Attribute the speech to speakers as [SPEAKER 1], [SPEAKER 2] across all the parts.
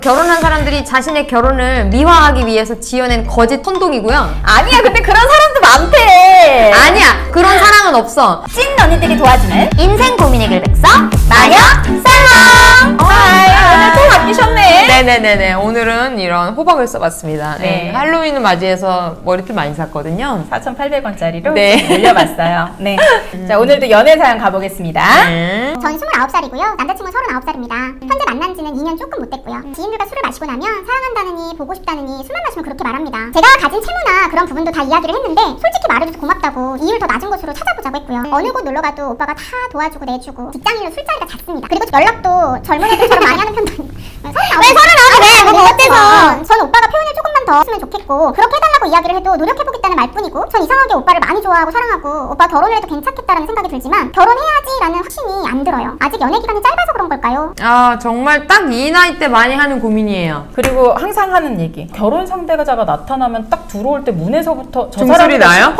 [SPEAKER 1] 결혼한 사람들이 자신의 결혼을 미화하기 위해서 지어낸 거짓 선동이고요.
[SPEAKER 2] 아니야, 근데 그런 사람도 많대.
[SPEAKER 1] 아니야, 그런 사랑은 없어.
[SPEAKER 2] 찐 언니들이 도와주는 인생 고민 해결 백서 마녀 살롱. 오늘 또 바뀌셨네.
[SPEAKER 1] 네네네네. 오늘은 이런 호박을 써봤습니다.
[SPEAKER 2] 네.
[SPEAKER 1] 할로윈을 맞이해서 머리핀 많이 샀거든요.
[SPEAKER 2] 4,800원짜리로
[SPEAKER 1] 네.
[SPEAKER 2] 올려봤어요. 네. 자, 오늘도 연애 사연 가보겠습니다.
[SPEAKER 3] 전 29살이고요. 남자친구는 39살입니다. 현재 만난 지는 2년 조금 못 됐고요. 지인들과 술을 마시고 나면 사랑한다느니 보고 싶다느니 술만 마시면 그렇게 말합니다. 제가 가진 채무나 그런 부분도 다 이야기를 했는데 솔직히 말해줘서 고맙다고 이율 더 낮은 곳으로 찾아보자고 했고요. 어느 곳 놀러가도 오빠가 다 도와주고 내주고 직장인으로 술자리가 잦습니다. 그리고 연락도 젊은 애들처럼 많이 하는 편도 아니고 왜 39왜 뭐 어때서 전 오빠가 표현을 조금만 더 했으면 좋겠고 그렇게 해달라고 이야기를 해도 노력해보겠다는 말뿐이고 전 이상하게 오빠를 많이 좋아하고 사랑하고 오빠 결혼을 해도 괜찮겠다라는 생각이 들지만 결혼해야지라는 확신이 안 들어요. 아직 연애 기간이 짧아서 그런 걸까요?
[SPEAKER 1] 아, 정말 딱 이 나이 때 많이 하는 고민이에요.
[SPEAKER 2] 그리고 항상 하는 얘기. 결혼 상대자가 나타나면 딱 들어올 때 문에서부터 저
[SPEAKER 1] 종소리
[SPEAKER 2] 사람이다
[SPEAKER 1] 나요?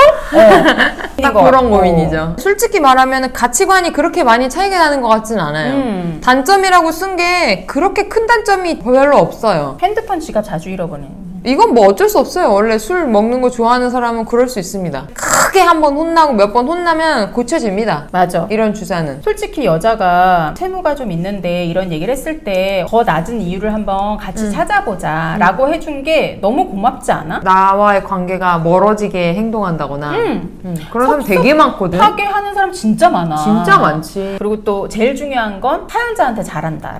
[SPEAKER 2] 싶어?
[SPEAKER 1] 딱 그런 고민이죠. 솔직히 말하면 가치관이 그렇게 많이 차이가 나는 것 같지는 않아요. 단점이라고 쓴 게 그렇게 큰 단점이 별로 없어요.
[SPEAKER 2] 핸드폰 지갑 자주 잃어버리는.
[SPEAKER 1] 이건 뭐 어쩔 수 없어요. 원래 술 먹는 거 좋아하는 사람은 그럴 수 있습니다. 크게 한 번 혼나고 몇 번 혼나면 고쳐집니다.
[SPEAKER 2] 맞아.
[SPEAKER 1] 이런 주사는.
[SPEAKER 2] 솔직히 여자가 채무가 좀 있는데 이런 얘기를 했을 때 더 낮은 이유를 한번 같이 찾아보자 라고 해준 게 너무 고맙지 않아?
[SPEAKER 1] 나와의 관계가 멀어지게 행동한다거나 그런 사람 되게 많거든.
[SPEAKER 2] 하게 하는 사람 진짜 많아.
[SPEAKER 1] 진짜 많지.
[SPEAKER 2] 그리고 또 제일 중요한 건 사연자한테 잘한다.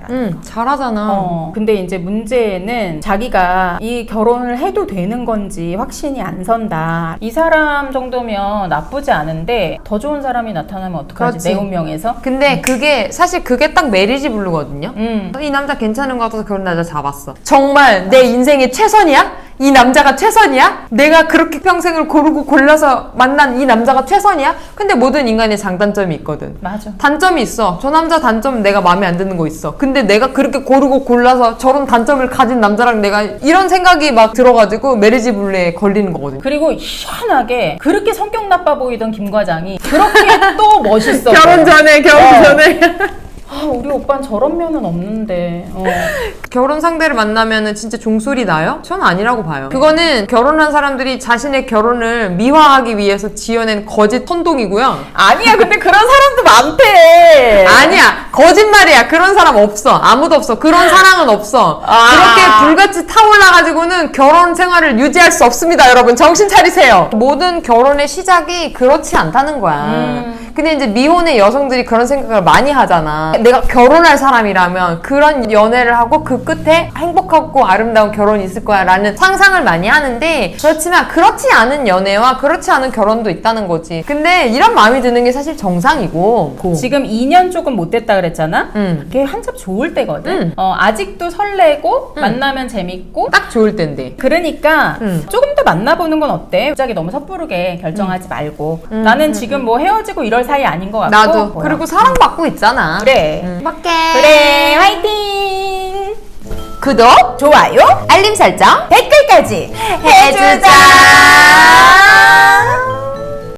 [SPEAKER 1] 잘하잖아.
[SPEAKER 2] 근데 이제 문제는 자기가 이 결혼을 해도 되는 건지 확신이 안 선다. 이 사람 정도면 나쁘지 않은데 더 좋은 사람이 나타나면 어떡하지?
[SPEAKER 1] 그렇지.
[SPEAKER 2] 내 운명에서?
[SPEAKER 1] 근데 사실 그게 딱 메리지 블루거든요. 이 남자 괜찮은 것 같아서 그런 남자 잡았어. 정말 내 인생의 최선이야? 이 남자가 최선이야? 내가 그렇게 평생을 고르고 골라서 만난 이 남자가 최선이야? 근데 모든 인간의 장단점이 있거든.
[SPEAKER 2] 맞아.
[SPEAKER 1] 단점이 있어. 저 남자 단점 내가 마음에 안 드는 거 있어. 근데 내가 그렇게 고르고 골라서 저런 단점을 가진 남자랑 내가 이런 생각이 막 들어가지고 메리지 블루에 걸리는 거거든.
[SPEAKER 2] 그리고 희한하게 그렇게 성격 나빠 보이던 김 과장이 그렇게 또 멋있어.
[SPEAKER 1] 결혼 전에.
[SPEAKER 2] 아, 우리 오빠는 저런 면은 없는데.
[SPEAKER 1] 결혼 상대를 만나면은 진짜 종소리 나요? 전 아니라고 봐요. 그거는 결혼한 사람들이 자신의 결혼을 미화하기 위해서 지어낸 거짓 선동이고요.
[SPEAKER 2] 아니야, 근데 그런 사람도 많대.
[SPEAKER 1] 아니야, 거짓말이야. 그런 사람 없어. 아무도 없어. 그런 사랑은 없어. 그렇게 불같이 타올라가지고는 결혼 생활을 유지할 수 없습니다, 여러분. 정신 차리세요. 모든 결혼의 시작이 그렇지 않다는 거야. 근데 이제 미혼의 여성들이 그런 생각을 많이 하잖아. 내가 결혼할 사람이라면 그런 연애를 하고 그 끝에 행복하고 아름다운 결혼이 있을 거야 라는 상상을 많이 하는데, 그렇지만 그렇지 않은 연애와 그렇지 않은 결혼도 있다는 거지. 근데 이런 마음이 드는 게 사실 정상이고.
[SPEAKER 2] 지금 2년 조금 못 됐다 그랬잖아? 그게 한참 좋을 때거든? 아직도 설레고 만나면 재밌고
[SPEAKER 1] 딱 좋을 텐데.
[SPEAKER 2] 그러니까 조금 더 만나보는 건 어때? 갑자기 너무 섣부르게 결정하지 말고. 나는 지금 뭐 헤어지고 이럴 사이 아닌 것 같고.
[SPEAKER 1] 나도.
[SPEAKER 2] 뭐야.
[SPEAKER 1] 그리고 사랑받고 있잖아.
[SPEAKER 2] 그래.
[SPEAKER 1] 밖에.
[SPEAKER 2] 그래, 화이팅!
[SPEAKER 1] 구독,
[SPEAKER 2] 좋아요,
[SPEAKER 1] 알림 설정
[SPEAKER 2] 댓글까지
[SPEAKER 1] 해주자.